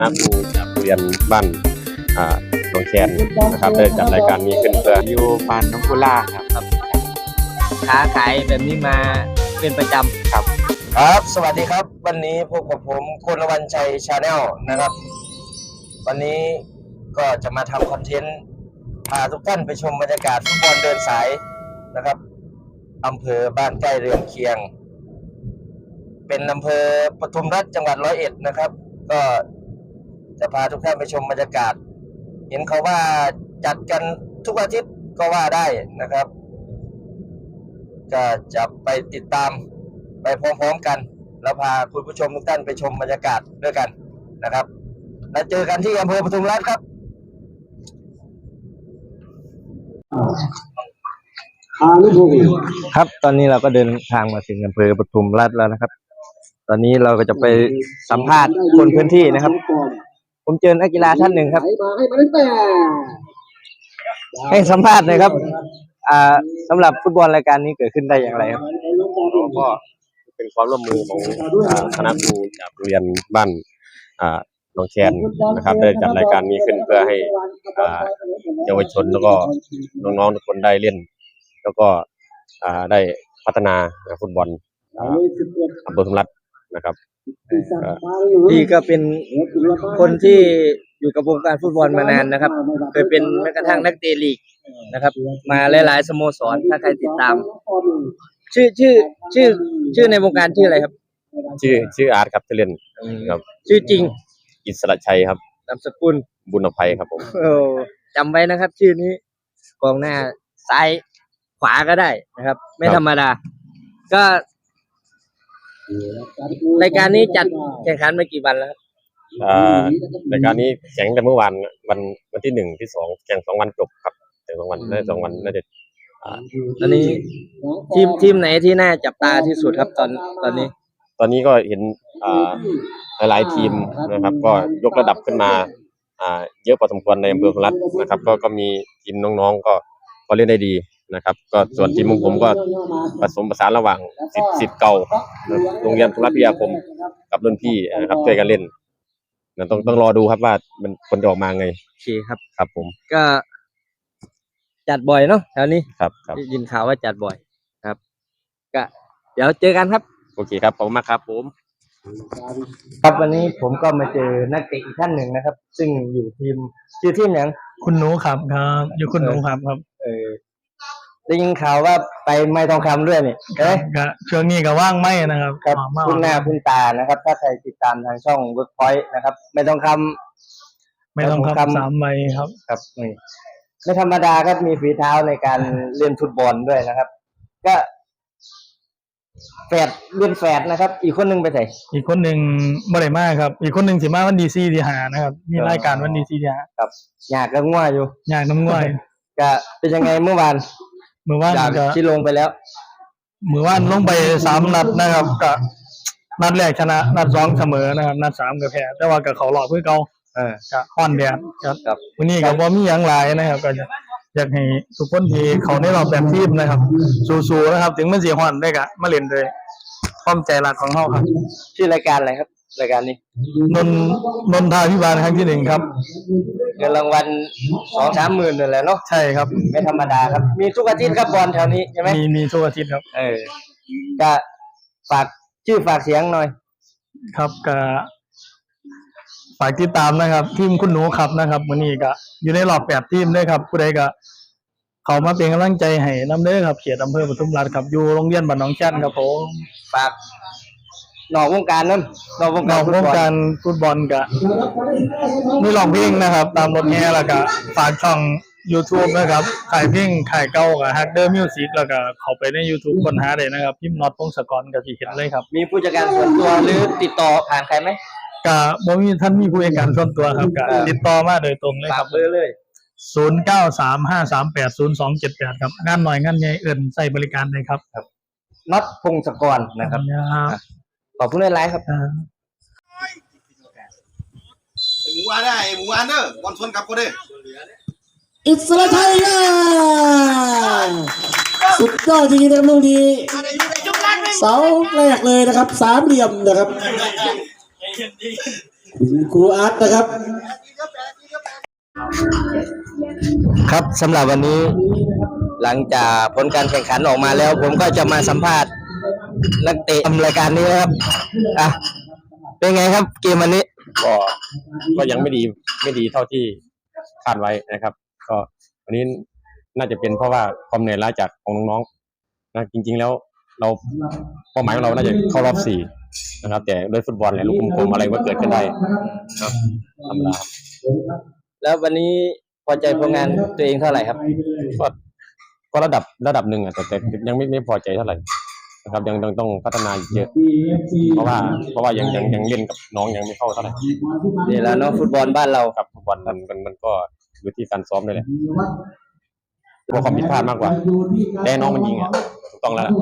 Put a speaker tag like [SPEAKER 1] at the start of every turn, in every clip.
[SPEAKER 1] คณะครูจากโรงเรียนบ้านหนองแคนนะครับได้จัดรายการนี้ขึ้นเพื่อ
[SPEAKER 2] อยู่บ้านน้องกุล่าครับค้าขายแบบนี้มาเป็นประจำครับ
[SPEAKER 3] สวัสดีครับวันนี้พบกับผมคุณละวันชัยชาแนลนะครับวันนี้ก็จะมาทำคอนเทนต์พาทุกท่านไปชมบรรยากาศฟุตบอลเดินสายนะครับอำเภอบ้านใกล้เรือนเคียงเป็นอำเภอปทุมรัฐจังหวัด101นะครับก็จะพาทุกท่านไปชมบรรยากาศเห็นเขาว่าจัดกันทุกอาทิตย์ก็ว่าได้นะครับก็จะไปติดตามไปพร้อมๆกันแล้วพาคุณผู้ชมทุกท่านไปชมบรรยากาศด้วยกันนะครับแล้วเจอกันที่อำเภอปทุมรัฐครับ
[SPEAKER 2] ครับตอนนี้เราก็เดินทางมาถึงอำเภอปทุมราชแล้วนะครับตอนนี้เราก็จะไปสัมภาษณ์คนพื้นที่นะครับผมเจอนักกีฬาท่านหนึ่งครับให้สัมภาษณ์หน่อยครับสำหรับฟุตบอลรายการนี้เกิดขึ้นได้อย่างไรครับ
[SPEAKER 1] ก็เป็นความร่วมมือของคณะครูจากโรงเรียนบ้านหนองแคนนะครับได้จัดรายการนี้ขึ้นเพื่อให้เยาวชนแล้วก็น้องๆทุกคนได้เล่นแล้วก็ได้พัฒนาฟุตบอลอำเภอปทุมรัฐนะครับ
[SPEAKER 2] พี่ก็เป็นคนที่อยู่กับวงการฟุตบอลมานานนะครับเคยเป็นแม้กระทั่งนักเตะลีกนะครับมาหลายๆสโมสรถ้าใครติดตามชื่อในวงการชื่ออะไรครับ
[SPEAKER 1] ชื่ออาร์ตครับชื่อเล่นครับ
[SPEAKER 2] ชื่อจริง
[SPEAKER 1] อิสระชัยครับ
[SPEAKER 2] นามสกุล
[SPEAKER 1] บุญอภัยครับผม
[SPEAKER 2] จำไว้นะครับชื่อนี้กองหน้าซ้ายขวาก็ได้นะครับไม่ธรรมดาก็รายการนี้จัดแข่งขันมากี่วันแล้ว
[SPEAKER 1] รายการนี้แข่งแต่เมื่อวานวันที่1ที่2แข่ง2วันจบครับแข่ง2วันได้2วันน่าจะ
[SPEAKER 2] ตอนนี้ทีมไหนที่น่าจับตาที่สุดครับตอน
[SPEAKER 1] นี้ก็เห็นหลายๆทีมนะครับก็ยกระดับขึ้นมาเยอะพอสมควรในอำเภอปทุมรัฐนะครับก็มีทีมน้องๆก็เล่นได้ดีนะครับก็ส่วนทีมของผมก็ผสมผสานระหว่างสิทธิ์เก่าโรงเรียนปทุมรัฐพิทยาคมกับรุ่นพี่นะครับช่วยกันเล่นต้องรอดูครับว่ามันผลจะออกมาไง
[SPEAKER 2] โอเคครับ
[SPEAKER 1] ครับผม
[SPEAKER 2] ก็จัดบ่อยเนาะแถวนี้
[SPEAKER 1] ครับ
[SPEAKER 2] ยินข่าวว่าจัดบ่อยครับก็เดี๋ยวเจอกันครับ
[SPEAKER 1] โอเคครับขอบคุณมากครับผม
[SPEAKER 2] ครับวันนี้ผมก็มาเจอนักเตะอีกท่านหนึ่งนะครับซึ่งอยู่ชื่อทีมอย่าง
[SPEAKER 4] คุณหนูครับอยู่คุณหนูครับ
[SPEAKER 2] ได้ยินข่าวว่าไปไม้ทองคำด้วยนี่
[SPEAKER 4] ก็ช่วงนี้ก็ว่างไม่นะครับ
[SPEAKER 2] ครับคุณหน้าคุณตานะครับถ้าใครติดตามทางช่อง Workpoint นะครับไม้ทองค
[SPEAKER 4] ำ3 ใบครับ
[SPEAKER 2] นี่ไม่ธรรมดาครับมีฝีเท้าในการเล่นฟุตบอลด้วยนะครับก็เล่นแฝดนะครับอีกคนนึงไปไหน
[SPEAKER 4] อีกคนนึงบ่ได้มาครับอีกคนนึงสิมาวันดีซีที่5นะครับมีรายการวันดีซีที่5
[SPEAKER 2] ครับอยากน้ำง่วยอยู่
[SPEAKER 4] อยากน้ำง่วย
[SPEAKER 2] ก็เป็นยังไงเมื่อวาน
[SPEAKER 4] ก็
[SPEAKER 2] ที่ลงไปแล้ว
[SPEAKER 4] เมื่อวานลงไป3 นัดนะครับก็นัดแรกชนะนัด2เสมอนะครับนัด3ก็แพ้แต่ว่าก็เข้ารอบคือเก่าก็ฮ้อนแดดครับวันนี้ก็บ่มีหยังหลายนะครับก็อยากให้ทุกคนที่เขาในรอบแบบทีมนะครับสู้ๆนะครับถึงมันสิฮ้อนได้ก็มาเล่นด้วยความใจรักของเฮาครับ
[SPEAKER 2] ชื่อรายการอะไรครับรายการนี้
[SPEAKER 4] นนทาภิบาลครั้งที่1ครับ
[SPEAKER 2] เงินรางวัล 2-3 หมื่นนั่นแหละเนาะ
[SPEAKER 4] ใช่ครับ
[SPEAKER 2] ไม่ธรรมดาครับมีทุกอาทิตย์ครับบอลแถวนี้ใช่ไหม
[SPEAKER 4] มีทุกอาทิตย์ครับ
[SPEAKER 2] ก็ฝากชื่อฝากเสียงหน่อย
[SPEAKER 4] ครับก็ฝากติดตามนะครับทีมคุณหนูครับนะครับวันนี้ก็อยู่ในรอบ8 ทีมด้วยครับผู้ใดก็เขามาเป็นกำลังใจให้นำเด้อครับเขตอำเภอปทุมราชครับอยู่โรงเรียนบ้านหนองแคนครับผม
[SPEAKER 2] ฝากนอกวงการนั้นนอกวง
[SPEAKER 4] การฟุตบอลก็มีร้องเพลงนะครับตามรถแห่แล้วก็ฝากช่อง YouTube นะครับขายเพลงขายเก่ากับ Hacker Music แล้วก็เข้าไปใน YouTube ค้นหาได้นะครับพิมพ์น็อตพงศกรก็สิเห็นเลยครับ
[SPEAKER 2] มีผู้จัดการส่วนตัวหรือติดต่อผ่านใครมั้ย
[SPEAKER 4] ก็บ่มีท่านมีผู้จัดการส่วนตัวครับก็ติดต่อมาโดยตรงเลยครับ
[SPEAKER 2] เบอร์เลย
[SPEAKER 4] 0935380278ครับงานน้อยงานใหญ่ใช้บริการได้ครับ
[SPEAKER 2] น็อตพงศกรนะครับขอบคุณหลายๆครับ
[SPEAKER 5] หมูอันเด้อบอลชนกับกูเด้
[SPEAKER 6] อิสระไทยสุดยอดจริงๆนะครับลูกนี้เสาแรกเลยนะครับ3 เหลี่ยมนะครับคุณครูอาร์ตนะครับ
[SPEAKER 3] ครับสำหรับวันนี้หลังจากผลการแข่งขันออกมาแล้ว ผมก็จะมาสัมภาษณ์นักเตะรายการนี้นะครับอ่ะเป็นไงครับเกมวันนี้
[SPEAKER 1] ก็ยังไม่ดีเท่าที่คาดไว้นะครับ ก็วันนี้น่าจะเป็นเพราะว่าความเหนื่อยล้าจากของน้องๆนะจริงๆแล้วเราเป้าหมายของเราน่าจะเข้ารอบ4นะครับ แต่ด้วยฟุตบอลเนี่ยลูกกลมๆอะไรก็เกิดขึ้นได้ครับธรรมดา
[SPEAKER 3] แล้ววันนี้พอใจผลงานตัวเองเท่าไหร่ครับ
[SPEAKER 1] ก็ระดับหนึ่งอ่ะแต่ยังไม่พอใจเท่าไหร่นะครับยังต้องพัฒนาอีกเยอะเพราะว่ายังเล่นกับน้องยังไม่เข้าเท่าไหร่
[SPEAKER 3] นี่แหล้วเนาะฟุตบอลบ้านเรา
[SPEAKER 1] ครับฟุตบอลมันก็อยู่ที่การซ้อมด้วยแหละเพราะความผิดพลาดมากกว่าแต่น้องมันยิงอ่ะถูกต้องแล้วล่ะ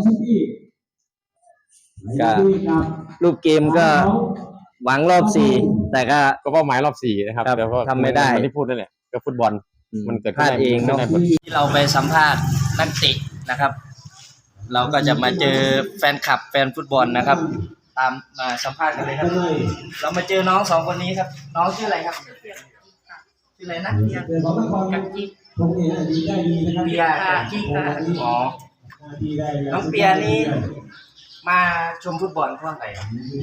[SPEAKER 3] ก็รูปเกมก็หวังรอบ4แต่ก็
[SPEAKER 1] ก็เป้าหมายรอบ4นะครับ
[SPEAKER 3] ครับ
[SPEAKER 1] แต่ก็
[SPEAKER 3] ทำไม่ได้
[SPEAKER 1] มันที่พูดนั่นแหละก็ฟุตบอลมันเกิด
[SPEAKER 3] พลาดเองเนาะ
[SPEAKER 1] ขึ้นได้
[SPEAKER 3] ที่เราไปสัมภาษณ์นักเตะนะครับ เราก็จะมาเจอแฟนคลับแฟนฟุตบอลนะครับ ตามมาสัมภาษณ์กันเลยครับ เรามาเจอน้อง2คนนี้ครับ น้องชื่ออะไรครับชื่ออะไรนะกับจิ๊กเปียกับจิ๊กอ๋อน้องเปียนี่มาชมฟุตบอลเพราะอะไรครับ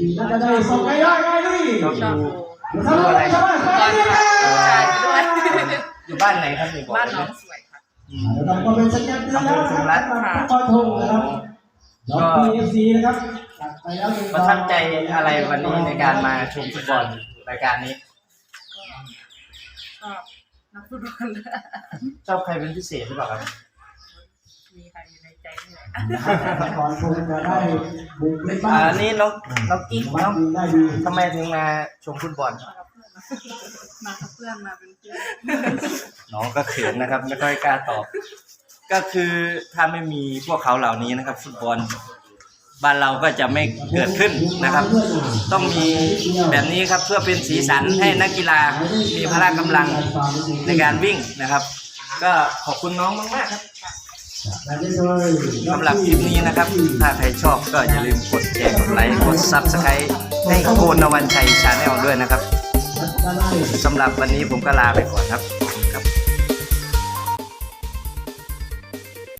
[SPEAKER 3] ชอบดูอะไรครับอยู่บ้านไหนครับบ้านน้องสวยครับอำเภอสุรัตน์ก็ประทับใจอะไรวันนี้ในการมาชมฟุตบอลรายการนี้
[SPEAKER 7] ชอบนักฟุตบอล
[SPEAKER 3] ชอบใครเป็นพิเศษหรือเปล่าครับ
[SPEAKER 7] มีใครอยู่ในใจนี่แหละ
[SPEAKER 3] นี่น้องกิ๊กน้องทำไมถึงมาชมฟุตบอล
[SPEAKER 7] มากับเพื่อนมาเป็นเพื่อน
[SPEAKER 3] น้องก็เขินนะครับไม่ค่อยกล้าตอบ ก็คือถ้าไม่มีพวกเขาเหล่านี้นะครับ ฟุตบอลบ้านเราก็จะไม่เกิดขึ้นนะครับ ต้องมีแบบนี้ครับเพื่อเป็นสีสันให้นักกีฬามีพละกำลังในการวิ่งนะครับ ก็ขอบคุณน้องมากๆครับสำหรับคลิปนี้นะครับ ถ้าใครชอบก็อย่าลืมกดแชร์กดไลค์กด Subscribe ให้โกนวันชัยชาแนลด้วยนะครับสำหรับวันนี้ผมก็ลาไปก่อนครับ